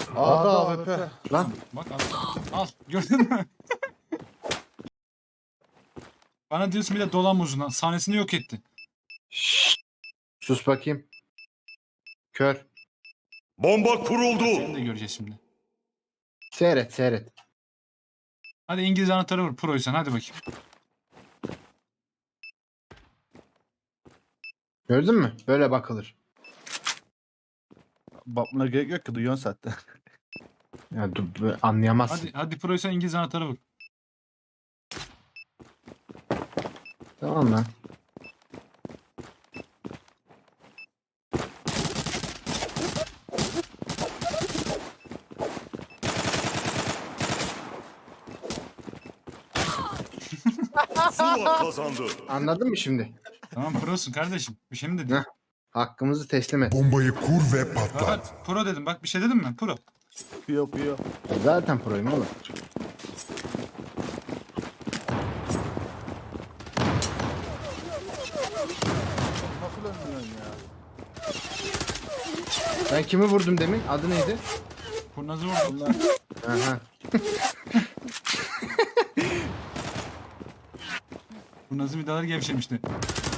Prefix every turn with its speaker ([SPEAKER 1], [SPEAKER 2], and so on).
[SPEAKER 1] A'da AWP.
[SPEAKER 2] Lan
[SPEAKER 3] Bak al. Al. Gördün mü? Bana diyorsun bir de dolan uzundan. Sahnesini yok etti.
[SPEAKER 2] sus bakayım. Kör.
[SPEAKER 4] Bomba kuruldu.
[SPEAKER 3] Seni de göreceğiz şimdi.
[SPEAKER 2] Seyret seyret.
[SPEAKER 3] Hadi İngiliz anahtarı vur. Proysan hadi bakayım.
[SPEAKER 2] Gördün mü? Böyle bakılır.
[SPEAKER 1] Bakmana gerek yok ki duyuyorsun zaten.
[SPEAKER 2] Ya anlayamazsın.
[SPEAKER 3] Hadi Proysan İngiliz anahtarı vur.
[SPEAKER 2] Tamam lan.
[SPEAKER 4] Zula kazandı.
[SPEAKER 2] Anladın mı şimdi?
[SPEAKER 3] Tamam prosun kardeşim. Bir şey mi dedin?
[SPEAKER 2] Heh. Hakkımızı teslim et.
[SPEAKER 5] Bombayı kur ve patlat.
[SPEAKER 3] Bak pro dedim. Bak bir şey dedim mi? Pro.
[SPEAKER 1] Pıyor.
[SPEAKER 2] Zaten proyum oğlum.
[SPEAKER 1] Nasıl ölmüyorsun ya?
[SPEAKER 2] Ben kimi vurdum demin? Adı neydi?
[SPEAKER 3] Kurnazı vurdum.
[SPEAKER 2] Aha.
[SPEAKER 3] Kurnazı vidaları gevşemişti.